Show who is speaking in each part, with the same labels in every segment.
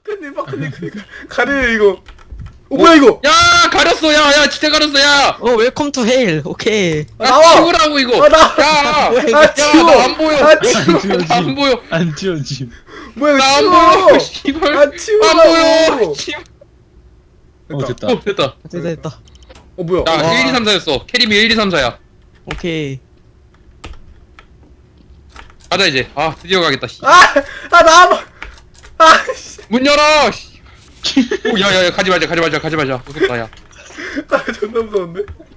Speaker 1: 박근님 가려요 이거. 뭐야 이거?
Speaker 2: 야 가렸어 야 진짜 가렸어 야.
Speaker 3: 웰컴 투 헤일. 오케이.
Speaker 1: 나와!
Speaker 2: 치우라고 이거.
Speaker 1: 나!
Speaker 2: 야.
Speaker 3: 뭐야, 이거.
Speaker 1: 아 치워!
Speaker 2: 나 안 보여.
Speaker 1: 아 치워!
Speaker 2: 나 안 보여.
Speaker 4: 안 튀어짐.
Speaker 1: 뭐야
Speaker 2: 나 안
Speaker 1: 이거
Speaker 2: 보여.
Speaker 1: 치워!
Speaker 2: 씨발.
Speaker 1: 아
Speaker 2: 안
Speaker 1: 치우라고!
Speaker 2: 보여. 씨.
Speaker 4: 됐다.
Speaker 2: 됐다.
Speaker 3: 됐다.
Speaker 1: 뭐야?
Speaker 2: 야 1, 2, 3, 4였어. 캐리미 1, 2, 3, 4야.
Speaker 3: 오케이.
Speaker 2: 가자 이제. 아 드디어 가겠다. 씨.
Speaker 1: 나와봐! 씨.
Speaker 2: 문 열어. 씨. 오 야야야 가지 말자. 무섭다 야.
Speaker 1: 존나 무서운데?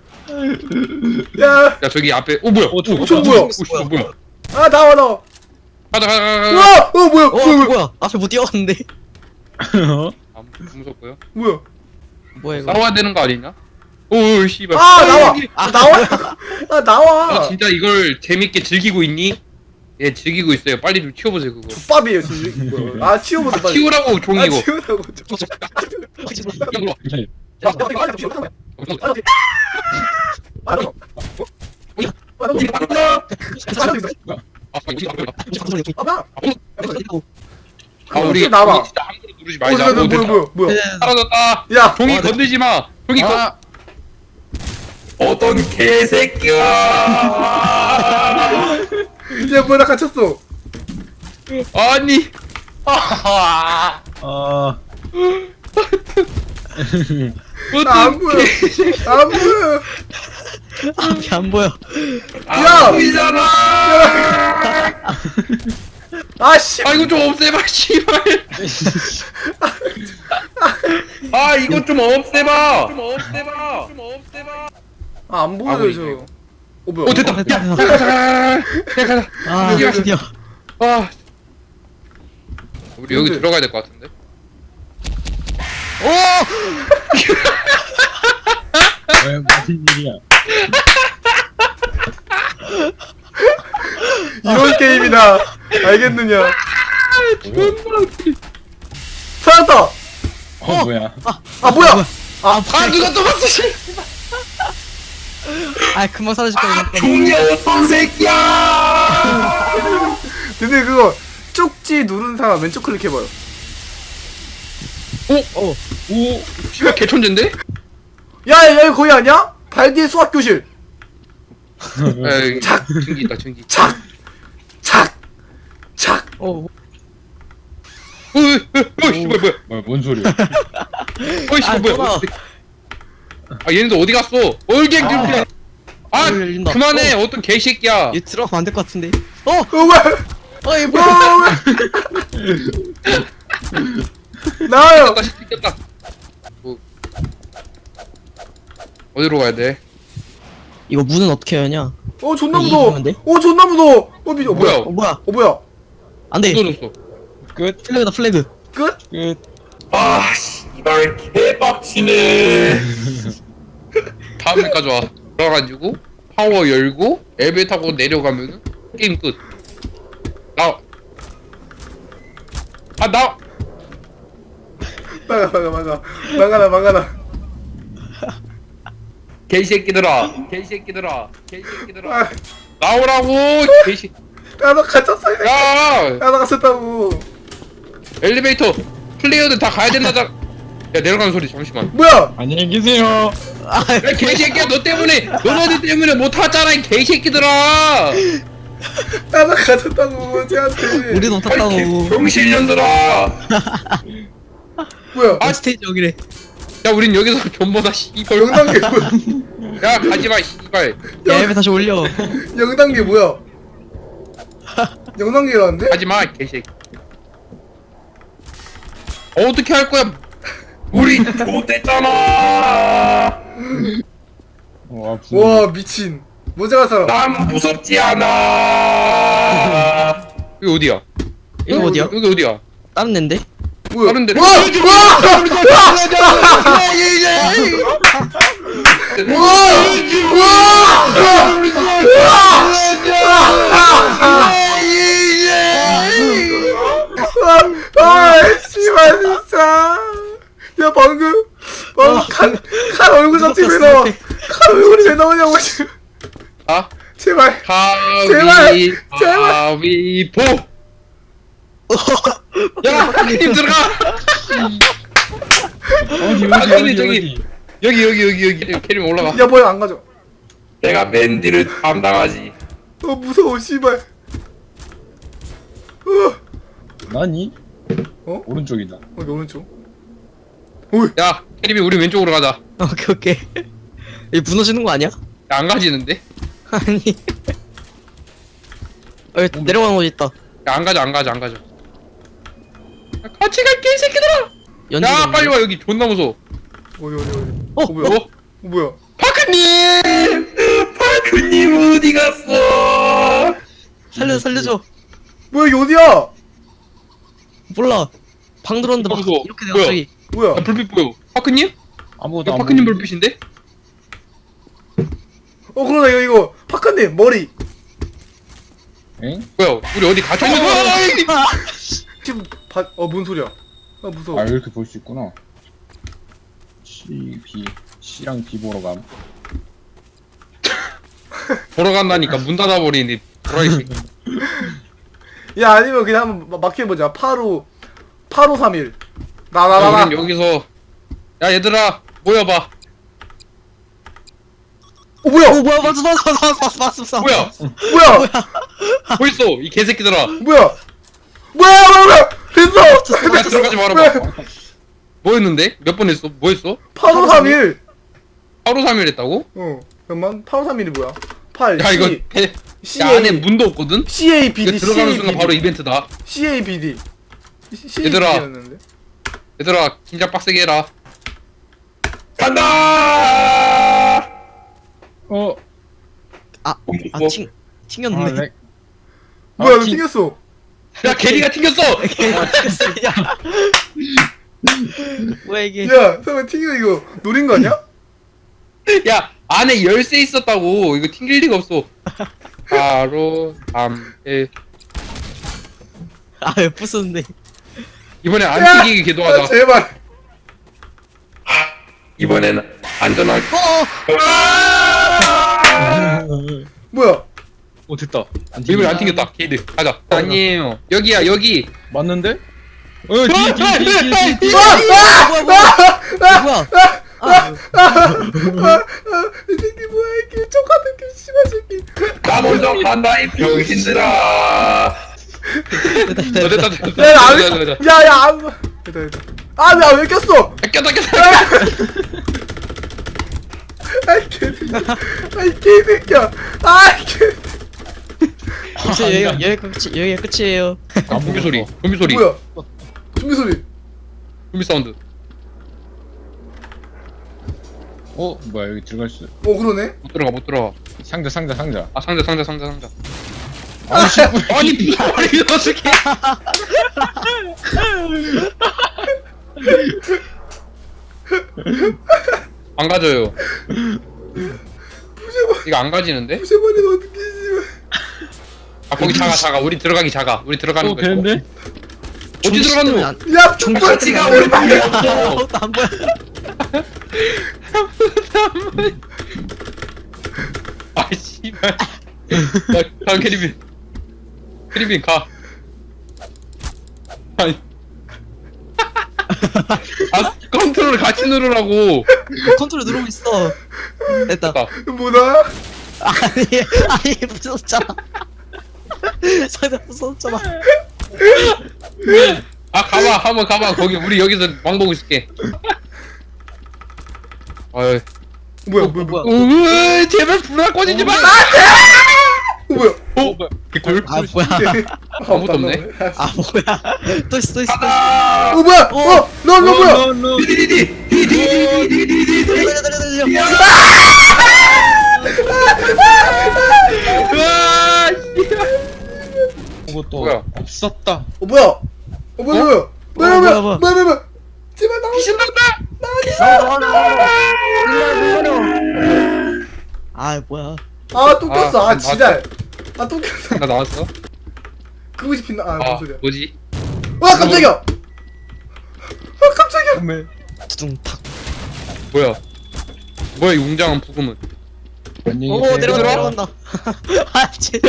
Speaker 1: 야!
Speaker 2: 야 저기 앞에. 오 뭐야?
Speaker 1: 저 뭐야?
Speaker 2: 뭐야?
Speaker 1: 나와!
Speaker 2: 가자.
Speaker 1: 우와! 뭐야?
Speaker 3: 뭐야? 앞에 못 뛰어갔는데.
Speaker 2: 아 무섭고요.
Speaker 1: 뭐야?
Speaker 3: 뭐야 이거?
Speaker 2: 싸워야 되는 거 아니냐? 오 씨발.
Speaker 1: 나와!
Speaker 2: 여기.
Speaker 1: 나와! 나와!
Speaker 2: 너 진짜 이걸 재밌게 즐기고 있니? 예 즐기고 있어요. 빨리 좀 치워보세요 그거.
Speaker 1: 족밥이에요 지금. 치워보자 빨리.
Speaker 2: 치우라고 종이 이거.
Speaker 1: 치우라고.
Speaker 2: 아 우리
Speaker 1: 나와.
Speaker 2: 종이 진짜 함부로 누르지 말자. 오, 됐다.
Speaker 1: 뭐야?
Speaker 2: 사라졌다.
Speaker 1: 야!
Speaker 2: 종이 건들지 마. 종이 건. 어떤 개새끼야.
Speaker 1: 야 뭐야 나 갇혔어.
Speaker 2: 아니.
Speaker 4: 아.
Speaker 1: 안 보여. 안 보여.
Speaker 3: 앞이 안 보여.
Speaker 1: 야!
Speaker 2: 보이잖아.
Speaker 1: 씨.
Speaker 2: 아 이거 좀 없애봐 씨발. 아 이거 좀 없애봐.
Speaker 1: 안 보여 저. 뭐야?
Speaker 2: 오 됐다.
Speaker 3: 됐다.
Speaker 2: 야 가자.
Speaker 3: 아 드디어.
Speaker 2: 아. 우리 여기
Speaker 1: 근데-
Speaker 2: 들어가야 될 것 같은데.
Speaker 3: 오!
Speaker 4: 왜 무슨 일이야?
Speaker 1: 이런 게임이다. 알겠느냐? 살았다.
Speaker 4: 뭐야?
Speaker 1: 뭐야?
Speaker 3: 아
Speaker 2: 누가 또 봤어 씨.
Speaker 3: 아 금방 사라질 거야.
Speaker 2: 어떤 새끼야.
Speaker 1: 근데 그거 쪽지 누른 사람 왼쪽 클릭해봐요.
Speaker 2: 오. 씨발 개천재인데?
Speaker 1: 야 여기 거기 아니야? 발디의 수학 교실.
Speaker 2: 에이, 증기 있다 증기.
Speaker 1: 착.
Speaker 3: 오.
Speaker 2: 씨발 뭐야?
Speaker 4: 뭔 소리야?
Speaker 2: 씨발 뭐야?
Speaker 3: 뭐야?
Speaker 2: 아 얘네들 어디 갔어? 얼갱 좀. 아
Speaker 3: 문 열린다.
Speaker 2: 그만해 어떤 개새끼야.
Speaker 3: 얘 들어가면 안 될 것 같은데.
Speaker 1: 왜?
Speaker 3: 얘 뭐야?
Speaker 1: 나와요.
Speaker 2: 시켰다. 어디로 가야 돼?
Speaker 3: 이거 문은 어떻게 하냐?
Speaker 1: 존나
Speaker 3: 이거
Speaker 1: 무서워.
Speaker 3: 이상한데?
Speaker 1: 존나 무서워.
Speaker 2: 뭐야?
Speaker 3: 뭐야?
Speaker 1: 뭐야?
Speaker 3: 안돼.
Speaker 2: 쏟아졌어.
Speaker 4: 끝.
Speaker 3: 플래그다 플래그.
Speaker 1: 끝?
Speaker 4: 끝.
Speaker 2: 아 씨발 개빡치네. 다음에까지 와. 들어가지고 파워 열고 엘리베이터 타고 내려가면은 게임 끝. 나.
Speaker 1: 막아라.
Speaker 2: 개새끼들아.
Speaker 1: 아,
Speaker 2: 나오라고 개새.
Speaker 1: 나 갇혔어.
Speaker 2: 야
Speaker 1: 나 갇혔다고.
Speaker 2: 엘리베이터 플레이어들 다 가야 된다. 야 내려가는 소리 잠시만.
Speaker 1: 뭐야?
Speaker 4: 안녕히 계세요.
Speaker 2: 야 개새끼야 너네들 때문에 못 탔잖아 이 개새끼들아.
Speaker 1: 나 갇혔다고 쟤한테.
Speaker 3: 우리도 탔다고.
Speaker 2: 병신년들아.
Speaker 1: 뭐야?
Speaker 2: 아
Speaker 3: 스테이지 여기래.
Speaker 2: 야 우린 여기서 존버다 씨발.
Speaker 1: 영단계 뭐야?
Speaker 2: 야 가지마 씨발.
Speaker 3: 야 앱에 다시 올려.
Speaker 1: 영단계 뭐야? 영단계라는데?
Speaker 2: 가지마 개새끼. 어떻게 할 거야? 우리 못했잖아.
Speaker 4: 아프네.
Speaker 1: 와 미친. 모자가 살아.
Speaker 2: 난 무섭지 않아. 여기 어디야?
Speaker 3: 이거 어디야?
Speaker 2: 여기 어디야?
Speaker 3: 다른 앤데?
Speaker 1: 뭐야?
Speaker 2: 다른 데.
Speaker 1: 와! 씨발 진짜. 야 방금 칼 얼굴 잡지 왜 나와? 칼 얼굴이 왜 나오냐고 지금.
Speaker 2: 아?
Speaker 1: 제발.
Speaker 2: 가위바위보. 야, 하나님 들어가.
Speaker 4: 어디
Speaker 2: 아, 근데
Speaker 4: 어디
Speaker 2: 저기-
Speaker 4: 어디
Speaker 2: 여기 캐리면 올라가.
Speaker 1: 야 뭐야 안 가져.
Speaker 2: 내가 맨디를 담당하지.
Speaker 1: 무서워 씨발.
Speaker 4: 나니?
Speaker 1: 어?
Speaker 4: 오른쪽이다.
Speaker 1: 어디 오른쪽?
Speaker 2: 야 캐리비 우리 왼쪽으로 가자.
Speaker 3: 오케이 오케이. 이 무너지는 거 아니야?
Speaker 2: 야, 안 가지는데?
Speaker 3: 아니. 여기 내려가는 곳 있다.
Speaker 2: 야, 안 가자. 야, 같이 갈게 이 새끼들아.
Speaker 3: 연지.
Speaker 2: 야 빨리 와 여기 존나 무서워.
Speaker 1: 어디. 뭐야?
Speaker 2: 어?
Speaker 1: 뭐야?
Speaker 2: 파크님 어디 갔어?
Speaker 3: 살려줘.
Speaker 1: 뭐야 이게 어디야?
Speaker 3: 몰라. 방 들었는데 막
Speaker 2: 무서워.
Speaker 3: 이렇게 돼
Speaker 2: 뭐야?
Speaker 3: 갑자기.
Speaker 1: 뭐야?
Speaker 2: 야, 불빛 보여. 파크님?
Speaker 4: 아무것도
Speaker 2: 야,
Speaker 4: 안
Speaker 2: 파크님
Speaker 4: 보이는데?
Speaker 2: 불빛인데?
Speaker 1: 그러나 이거 파크님 머리
Speaker 4: 엥?
Speaker 2: 뭐야 우리 어디 갇혀 있는 거야?
Speaker 1: 지금 뭔 소리야? 아 무서워.
Speaker 4: 아 이렇게 볼 수 있구나. C랑 B 보러 감.
Speaker 2: 보러 간다니까 문 닫아버리니 브라이 새끼.
Speaker 1: 야 아니면 그냥 한번 막혀보자. 8531. 나.
Speaker 2: 우린 여기서 야 얘들아 모여봐.
Speaker 1: 뭐야?
Speaker 3: 뭐야 맞았어.
Speaker 2: 뭐야
Speaker 1: 뭐야?
Speaker 2: 뭐 있어 이 개새끼들아.
Speaker 1: 뭐야? 됐어.
Speaker 2: 야 들어가지 말아봐. 뭐였는데? 몇 번 했어? 뭐 했어?
Speaker 1: 8531.
Speaker 2: 하루 3일 했다고?
Speaker 1: 잠깐만. 8531이 뭐야? 8
Speaker 2: 야 이거
Speaker 1: C
Speaker 2: 야 안에 문도 없거든?
Speaker 1: CABD.
Speaker 2: 이거 들어가는 순간 바로 이벤트다.
Speaker 1: CABD.
Speaker 2: 얘들아.
Speaker 1: CABD였는데.
Speaker 2: 얘들아 긴장 빡세게 해라. 간다.
Speaker 4: 어?
Speaker 3: 튕겼네.
Speaker 4: 아 렉.
Speaker 1: 뭐야? 너
Speaker 4: 튕-
Speaker 1: 튕겼어.
Speaker 2: 야 게리가 튕겼어.
Speaker 3: 야. 뭐야 이게?
Speaker 1: 야, 설마 튕겨 이거 노린 거 아니야?
Speaker 2: 야 안에 열쇠 있었다고. 이거 튕길 리가 없어. 바로 3일
Speaker 3: 아왜 부수는데?
Speaker 2: 이번에 안
Speaker 1: 야!
Speaker 2: 튕기게 기도하자.
Speaker 1: 제발.
Speaker 2: 이번에는 안전하게.
Speaker 1: 뭐야?
Speaker 4: 됐다. 안
Speaker 2: 이번에 안 튕겼다. 게이드 가자. 아니에요. 여기야 여기.
Speaker 4: 맞는데? 뒤에
Speaker 1: 아!
Speaker 3: 뭐야?
Speaker 1: 이 새끼 뭐야 이게 똑같은 게 씨발 새끼.
Speaker 2: 나 먼저 간다 이 병신들아. 됐다.
Speaker 1: 야, 안 됐다. 아, 야, 왜 꼈어?
Speaker 2: 꼈다.
Speaker 1: 아이 개새끼야. 아이 개.
Speaker 3: 이제 여기가 끝이에요.
Speaker 2: 좀비 소리.
Speaker 1: 뭐야? 준비 소리.
Speaker 2: 좀비 사운드.
Speaker 4: 뭐야 여기 들어갈 수.
Speaker 1: 그러네.
Speaker 2: 못 들어가.
Speaker 4: 상자.
Speaker 2: 아 상자.
Speaker 4: 아씨.
Speaker 2: 아니 어떻게? 안 가져요. 이거 안 가지는데?
Speaker 1: 부셔버리면 어떡해 씨발.
Speaker 2: 아 거기 작아. 우리 들어가기 작아. 우리 들어가는 거.
Speaker 4: 되는데?
Speaker 2: 어디 들어가는 거?
Speaker 1: 야,
Speaker 2: 같이가 우리 방에 없어.
Speaker 3: 안 보여.
Speaker 2: 아 씨발. 야 다음 캐리빈 가. 아니. 아 컨트롤 같이 누르라고.
Speaker 3: 컨트롤 누르고 있어. 됐다.
Speaker 2: 가.
Speaker 1: 뭐다?
Speaker 3: 아니 부서졌잖아. 상대 부서졌잖아.
Speaker 2: 아 가봐 한번 가봐. 거기 우리 여기서 왕 보고 있을게. 아유.
Speaker 1: 뭐야?
Speaker 2: 제발 불알 꺼지지 마.
Speaker 1: 뭐야?
Speaker 2: 개꿀.
Speaker 3: 아 뭐야?
Speaker 2: 아무것도 없네.
Speaker 3: 아 뭐야? 또 있어.
Speaker 1: 뭐야? 너 뭐야?
Speaker 3: 달려.
Speaker 2: 으아,
Speaker 4: 그것도
Speaker 2: 뭐야?
Speaker 4: 없었다.
Speaker 1: 뭐야? 뭐야? 제발 나.
Speaker 2: 귀신 났다.
Speaker 3: 아 뭐야?
Speaker 1: 또 꼈어.
Speaker 2: 아,
Speaker 1: 지랄. 또 꼈어.
Speaker 2: 나 나왔어?
Speaker 1: 그거 싶힌다. 뭔
Speaker 2: 아
Speaker 1: 소리야?
Speaker 2: 뭐지?
Speaker 1: 깜짝이야. 깜짝이야.
Speaker 4: 어메.
Speaker 3: 두둥탁.
Speaker 2: 뭐야 이 웅장한 부금은.
Speaker 4: 안녕히
Speaker 3: 오
Speaker 4: 계세요.
Speaker 3: 내려간다. 아 진짜.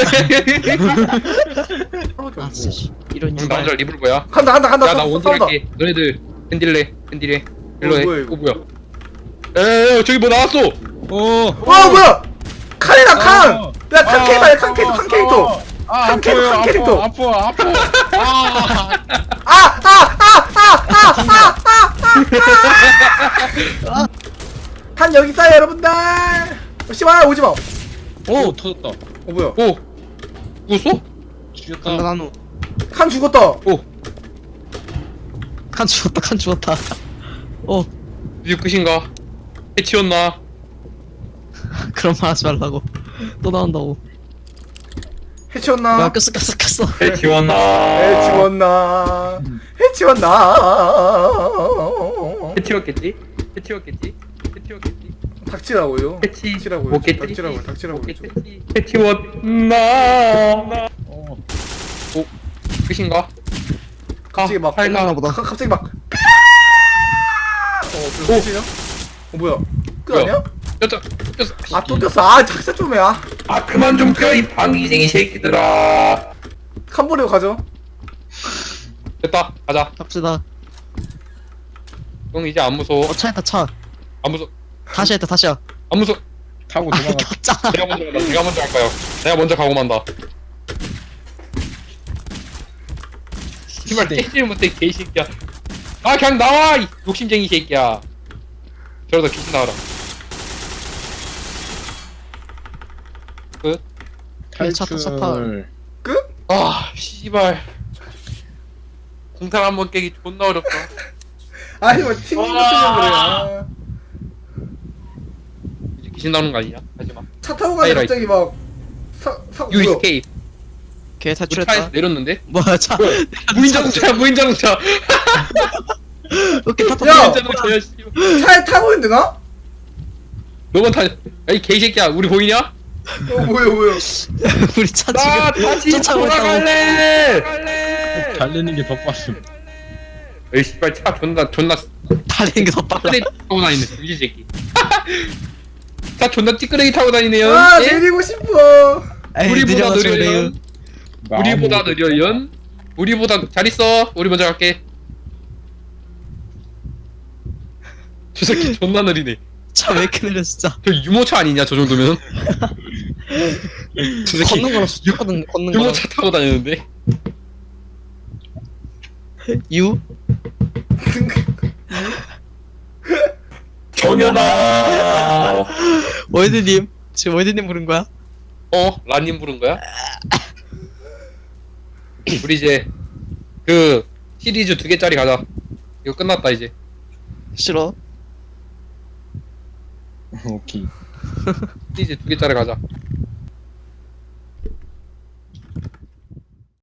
Speaker 3: 아 진짜. 이런
Speaker 2: 그럼 나 혼자
Speaker 3: 이발.
Speaker 2: 리블 뭐야?
Speaker 1: 간다.
Speaker 2: 야나 원딜 할게. 너네들 캔딜레 일로 해.
Speaker 1: 뭐야, 이거?
Speaker 2: 뭐야? 에 저기 뭐 나왔어.
Speaker 1: 뭐야 칸이다 칸!
Speaker 4: 어.
Speaker 1: 야 칸 캐릭터야 칸 캐릭터
Speaker 4: 아,
Speaker 1: 한 캐릭터, 한 캐릭터.
Speaker 4: 아파.
Speaker 1: 칸 여기 있어요 여러분들 씨발 오지마
Speaker 4: 오, 터졌다.
Speaker 1: 뭐야
Speaker 2: 오 죽었어?
Speaker 3: 간다
Speaker 4: 죽였다.
Speaker 3: 나누.
Speaker 1: 칸 죽었다
Speaker 2: 오
Speaker 3: 칸 죽었다 칸 죽었다. 어
Speaker 2: 이제 끝인가? 해치웠나?
Speaker 3: 그런 말 하지 말라고. 또 나온다고.
Speaker 1: 해치웠나?
Speaker 3: 뭐야 꼈어.
Speaker 2: 해치웠나?
Speaker 1: 해치웠나?
Speaker 2: 해치웠겠지?
Speaker 1: 닥치라고요
Speaker 2: 해치
Speaker 1: 닥치라고요
Speaker 2: 못겠지?
Speaker 1: 닥치라고요
Speaker 2: 해치웠나?
Speaker 4: 어.
Speaker 2: 오 끝인가?
Speaker 1: 갑자기 막
Speaker 3: 끝났나 보다.
Speaker 1: 갑자기 막
Speaker 2: 오.
Speaker 1: 끝이냐? 뭐야 끝
Speaker 2: 뭐야?
Speaker 1: 아니야?
Speaker 2: 꼈어
Speaker 1: 아 또 꼈어 아 작사 좀해 아
Speaker 2: 그만 좀 껴 이 방귀쟁이 새끼들아.
Speaker 1: 칸버리고 가죠
Speaker 2: 됐다 가자.
Speaker 3: 갑시다.
Speaker 2: 형 이제 안 무서워.
Speaker 3: 차했다 차.
Speaker 2: 안 무서워.
Speaker 3: 다시 했다 다시야.
Speaker 2: 안 무서워.
Speaker 4: 타고
Speaker 3: 아
Speaker 4: 도망가.
Speaker 3: 꼈잖아.
Speaker 2: 제가 먼저 할까요? 내가 먼저 가고 만다. 정말 깨질 못해 개새끼야. 아 그냥 나와 이 욕심쟁이 새끼야. 저러다 귀신 나와라. 끝.
Speaker 3: 그래, 차 타, 차 타.
Speaker 4: 탈출.
Speaker 1: 끝?
Speaker 2: 아 씨발. 공탄 한번 깨기 존나 어렵다.
Speaker 1: 아니 뭐 팀 같은 그래 아.
Speaker 2: 이제 귀신 나오는 거 아니냐? 하지마.
Speaker 1: 차 타고 가니
Speaker 2: 하이라이트.
Speaker 1: 갑자기 막
Speaker 2: You
Speaker 1: 뭐야
Speaker 2: escape.
Speaker 3: 걔
Speaker 2: 우리 차에서
Speaker 3: 탈출했다.
Speaker 2: 내렸는데?
Speaker 3: 뭐야 차.
Speaker 2: 무인자동차.
Speaker 3: 오케이 탔다.
Speaker 1: 야!
Speaker 2: 무인자동차야 씨발.
Speaker 1: 차에 타고 있는데 나?
Speaker 2: 너만 타. 야이 개새끼야 우리 보이냐?
Speaker 1: 뭐야
Speaker 3: 우리 차
Speaker 2: 나
Speaker 3: 지금
Speaker 2: 다시
Speaker 3: 쫓아오고 있다고.
Speaker 2: 돌아갈래.
Speaker 4: 달리는 게 더 빠름.
Speaker 2: 에이 씨발 차 존나
Speaker 3: 달리는 게 더 빨라.
Speaker 2: 찌끄레기 타고 다니네 이 새끼. 차 존나 찌끄레기 타고 다니네요.
Speaker 1: 아
Speaker 2: 예?
Speaker 1: 내리고 싶어
Speaker 3: 에이,
Speaker 2: 우리보다
Speaker 3: 느려가지고
Speaker 2: 느려요.
Speaker 3: 내요.
Speaker 2: 우리보다 느려연. 우리보다 잘 있어. 우리 먼저 갈게. 저 새끼 존나 느리네.
Speaker 3: 차 왜 이렇게 느려 진짜.
Speaker 2: 저 유모차 아니냐 저 정도면? 저 새끼
Speaker 3: 걷는 거랑 걷는 거랑.
Speaker 2: 유모차 타고 다니는데.
Speaker 3: 유?
Speaker 2: 정연아.
Speaker 3: 월드님 지금 월드님 부른 거야?
Speaker 2: 라님 부른 거야? 우리 이제 그 시리즈 2개짜리 가자. 이거 끝났다 이제.
Speaker 3: 싫어.
Speaker 4: 오케이.
Speaker 2: 시리즈 2개짜리 가자.